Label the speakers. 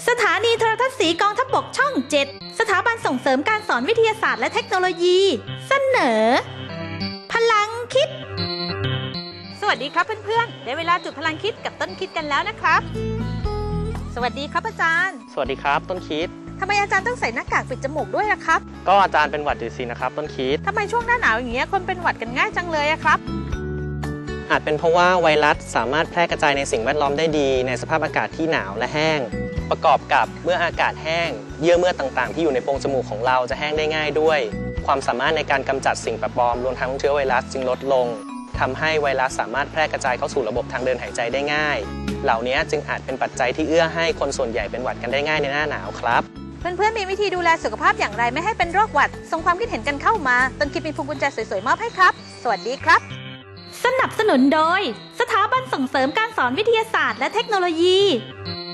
Speaker 1: สถานีโทรทัศน์สีกองทัพบกช่อง 7 สถาบันส่งเสริมการสอนวิทยาศาสตร์และเทคโนโลยีเสนอพลังคิดสวัสดีครับเพื่อนๆได้เวลาจุดพลังคิดกับต้นคิดกันแล้วนะครับสวัสดีครับอาจารย์
Speaker 2: สวัสดีครับต้นคิด
Speaker 1: ทำไมอาจารย์ต้องใส่หน้ากากปิดจมูกด้วยล่ะครับ
Speaker 2: ก็อาจารย์เป็นหวัดอยู่สินะครับต้นคิด
Speaker 1: ทำไมช่วงหน้าหนาวอย่างเงี้ยคนเป็นหวัดกันง่ายจังเลยอะครับ
Speaker 2: อาจเป็นเพราะว่าไวรัสสามารถแพร่กระจายในสิ่งแวดล้อมได้ดีในสภาพอากาศที่หนาวและแห้งประกอบกับเมื่ออากาศแห้งเยื่อเมือกต่างๆที่อยู่ในโพรงจมูกของเราจะแห้งได้ง่ายด้วยความสามารถในการกำจัดสิ่งแปลกปลอมรวมทั้งเชื้อไวรัสจึงลดลงทำให้ไวรัสสามารถแพร่กระจายเข้าสู่ระบบทางเดินหายใจได้ง่ายเหล่านี้จึงอาจเป็นปัจจัยที่เอื้อให้คนส่วนใหญ่เป็นหวัดกันได้ง่ายในหน้าหนาวครับ
Speaker 1: เพื่อนๆมีวิธีดูแลสุขภาพอย่างไรไม่ให้เป็นโรคหวัดส่งความคิดเห็นกันเข้ามาต้นคิดมีพวงกุญแจสวยๆมอบให้ครับสวัสดีครับสนับสนุนโดยสถาบันส่งเสริมการสอนวิทยาศาสตร์และเทคโนโลยี